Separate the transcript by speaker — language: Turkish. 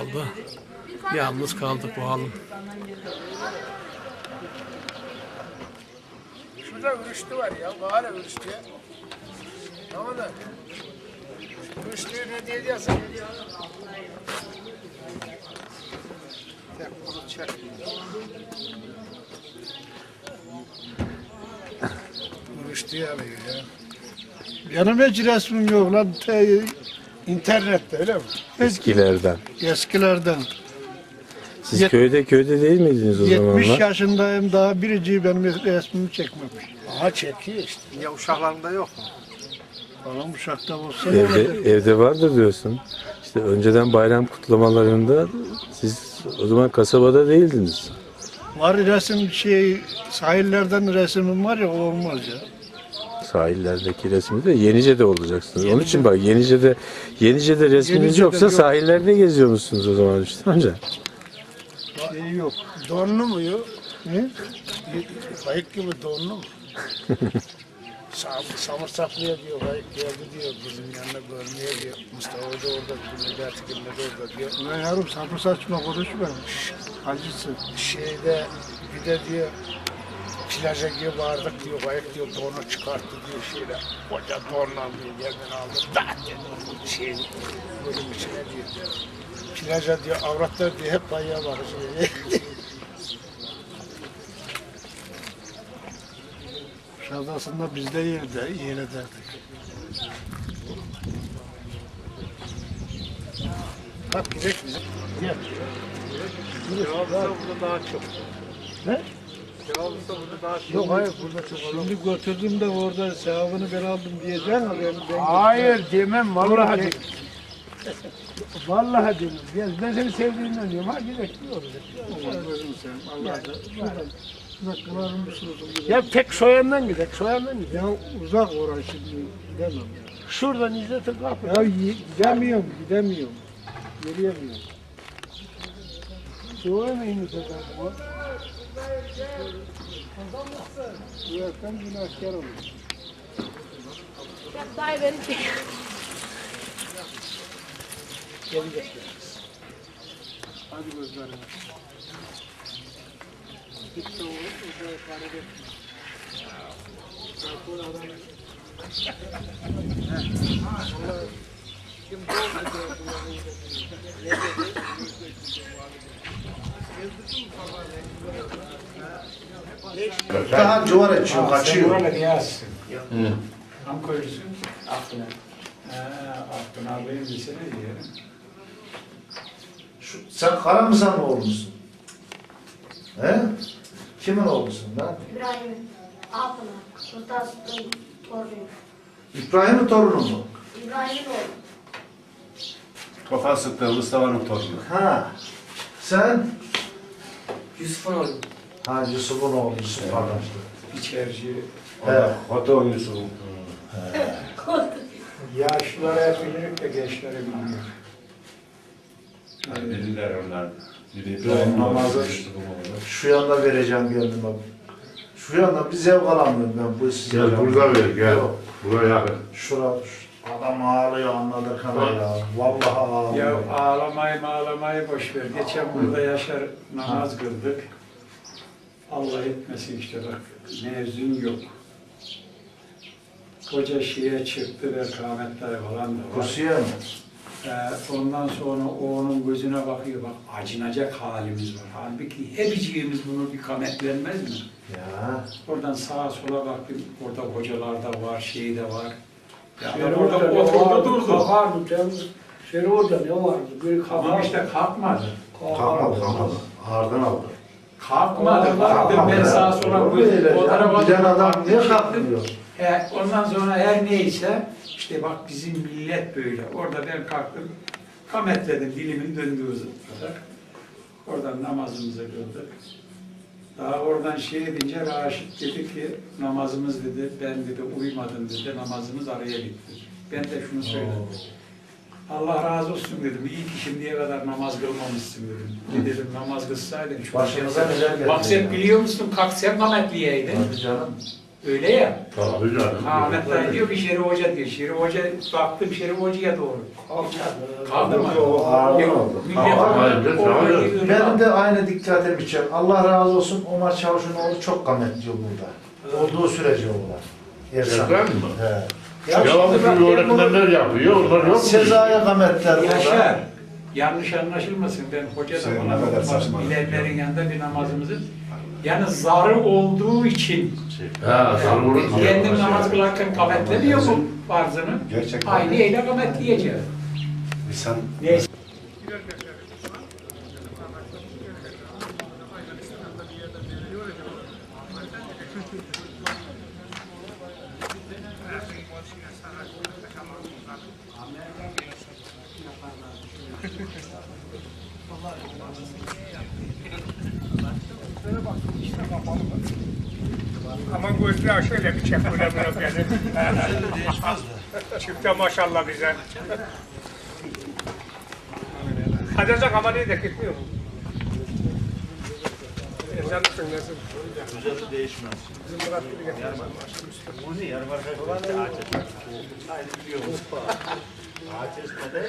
Speaker 1: Burada yalnız kaldık bu halım.
Speaker 2: Şurada ürüştü var ya. Bahane ürüştüye. Tamam da. Ürüştüğü ne diyeceksin? Tek bunu çek. Ürüştüye alıyor ya. Benim hiç resmim yok lan. İnternette öyle mi?
Speaker 3: Eskilerden.
Speaker 2: Eskilerden.
Speaker 3: Siz köyde değil miydiniz o
Speaker 2: 70
Speaker 3: zamanlar?
Speaker 2: yaşındayım daha biriciği benim resmimi çekmemiş. Aha çekiyor işte. Ya uşaklarında yok mu? Falan uşakta olsa
Speaker 3: Evde vardır diyorsun. İşte önceden bayram kutlamalarında siz o zaman kasabada değildiniz.
Speaker 2: var resim sahillerden resimim var ya o olmaz ya.
Speaker 3: Sahillerdeki resmi de Yenice'de olacaksınız. Onun için bak Yenice'de resminiz
Speaker 2: Yenice'de
Speaker 3: yoksa
Speaker 2: yok.
Speaker 3: sahillerde geziyor musunuz o zaman işte amca?
Speaker 2: Yok. Donlu mu yok? Ne? Kayık gibi donlu mu? Samırsaklı'ya diyor, kayık geldi diyor, bizim yanına görmeye diyor. Mustafa da orada, Necati Gül'le de orada diyor. Ulan yavrum sapı saçma konuşma. Acısı. Bir de diyor, plaja gibi vardık diyor, kayık diyor, donu çıkarttı diyor şeyle. Koca donla diyor, yerden aldı, da dedi, bölüm içine diyor. Plaja diyor, avratlar diyor, hep kayığa bakıyor. Kuşadası'nda biz de yer ederdik. Bak gidelim bizim. Gel. Cevabısa burada daha çok. Ne? Cevabısa burada daha çok. Yok hayır burada çok. Şimdi götürdüm de orada sevabını ben aldım diyeceksin. Hayır demem vallahi demem. Vallahi demem. Gel ben seni sevdiğimden diyorum. Ha gidelim diyoruz. Allah'a da. Ya tek soyandan gidelim, soyandan gidelim. Ya uzak orası şimdi gidemem ya. Şuradan İzzet'in kapı. Ya gidemiyorum. Yürüyemiyorum. Soğuyamayın İzzet'in kapı. Uyarken günahkar olur.
Speaker 4: Ya dayı beni çek.
Speaker 2: Gelecek biraz. Hadi gözlerine. Gitti o uzaya ifade etmiş. Bu adam... Kim
Speaker 5: Daha civar açıyor, kaçıyor.
Speaker 6: Tam koyuyorsun aklına. Aklına alayım desene diye.
Speaker 5: Sen Karamızan oğlusun. He? Kimin oğlusun lan?
Speaker 4: İbrahim Altın'a. Sultan'ın torunu.
Speaker 5: İbrahim'in torunu mu?
Speaker 4: İbrahim'in oğlu.
Speaker 7: Kafa sıktı Mustafa'nın torunu.
Speaker 5: Ha. Sen?
Speaker 1: Yusuf'un oğlu.
Speaker 5: Ha Yusuf'un oğlu Yusuf kardeşler.
Speaker 6: İçerici.
Speaker 7: Hatta oynuyorsun.
Speaker 6: Yaşlılara hep bilirik de gençlere bilmiyor.
Speaker 7: Bilirler onlar.
Speaker 5: İbrahim namazı şu yanda vereceğim geldim bak. Şu yanda bir zevk alamıyorum ben bu size.
Speaker 7: Gel burada ver gel.
Speaker 5: Yok.
Speaker 7: Buraya yakın.
Speaker 5: Şura adam ağlıyor anladık ama ya. Vallahi ağlıyor.
Speaker 6: Ya ağlamayı boş ver. Geçen burada Yaşar namaz kıldık. Allah etmesin işte bak. Mezun yok. Koca şeye çıktı ve kâmetler falan da var.
Speaker 5: Kursiye mi?
Speaker 6: Ondan sonra o onun gözüne bakıyor, bak acınacak halimiz var. Halbuki hepiciğimiz bunu bir kametlenmez mi?
Speaker 5: Ya.
Speaker 6: Oradan sağa sola baktım, orada hocalar da var, şey de var. Ya
Speaker 2: Orada
Speaker 6: orada durdu.
Speaker 2: Kalkardı temiz. Orada ne vardı? Bir
Speaker 6: Ama işte kalkmadı.
Speaker 5: Kalkmadı. Ağırdan aldı.
Speaker 6: Kalkmadı. Baktım ben sağa sola gözüm. O tarafa
Speaker 5: Giden adam niye
Speaker 6: baktım.
Speaker 5: kalkmıyor?
Speaker 6: Ondan sonra her neyse, işte bak bizim millet böyle. Orada ben kalktım, kametledim, dilimin döndüğü kadar. Oradan namazımızı kıldık. Daha oradan şey edince Raşit dedi ki, namazımız dedi, ben dedi uyumadım dedi, namazımız araya gitti. Ben de şunu söyledim. Allah razı olsun dedim, iyi ki şimdiye kadar namaz kılmamışsın dedim. Dedim namaz kılsaydın.
Speaker 5: Başımıza neler geldi
Speaker 6: Bak sen
Speaker 5: ya.
Speaker 6: biliyor musun, kalk sen kametliyeydin.
Speaker 5: Hadi canım.
Speaker 6: Öyle ya.
Speaker 7: Tabii canım.
Speaker 6: Ahmet Dayı diyor ki Şerif Hoca diyor. Şerif Hoca, baktım Şerif Hoca'ya doğru. Kaldı mı?
Speaker 5: Ağırlı
Speaker 6: Yok,
Speaker 5: oldu.
Speaker 6: millet
Speaker 7: Ağırlı,
Speaker 6: orada
Speaker 7: ağırlı.
Speaker 6: gidiyor.
Speaker 5: Benim de aynı dikkatimi çek. Allah razı olsun Omar Çavuş'un çok kametli burada. Olduğu sürece oğlan. Ersan.
Speaker 7: Ersan mı?
Speaker 5: He.
Speaker 6: Ya
Speaker 7: Devamlı
Speaker 6: şimdi bak,
Speaker 7: bir öğretmenler yapıyor. Onlar yok mu?
Speaker 5: Sezai kametler burada.
Speaker 6: Yaşar, yanlış anlaşılmasın. Ben hoca da bana
Speaker 2: ne kadar
Speaker 6: bak,
Speaker 2: saçma.
Speaker 6: bilenlerin yanında bir namazımızı yani zarı olduğu için
Speaker 7: Ha, sarılır.
Speaker 6: kendim namaz kılarken kametlemiyor mu farzını?
Speaker 2: Gerçekten.
Speaker 6: Aynı eyle kametleyeceğim.
Speaker 2: Sen
Speaker 6: Neyse.
Speaker 8: Ama gözler şöyle bir çek böyle beni. Çifte maşallah bize. Hadezak ama değil de gitmiyor mu? Ezan mısın nasıl?
Speaker 5: Güzel değişmez.
Speaker 8: Bizim Murat gibi getirmiş.
Speaker 5: Bu ne? Yarım arkadaşlar ağaç etmez. Aynı biliyor musun? Ağaç etmede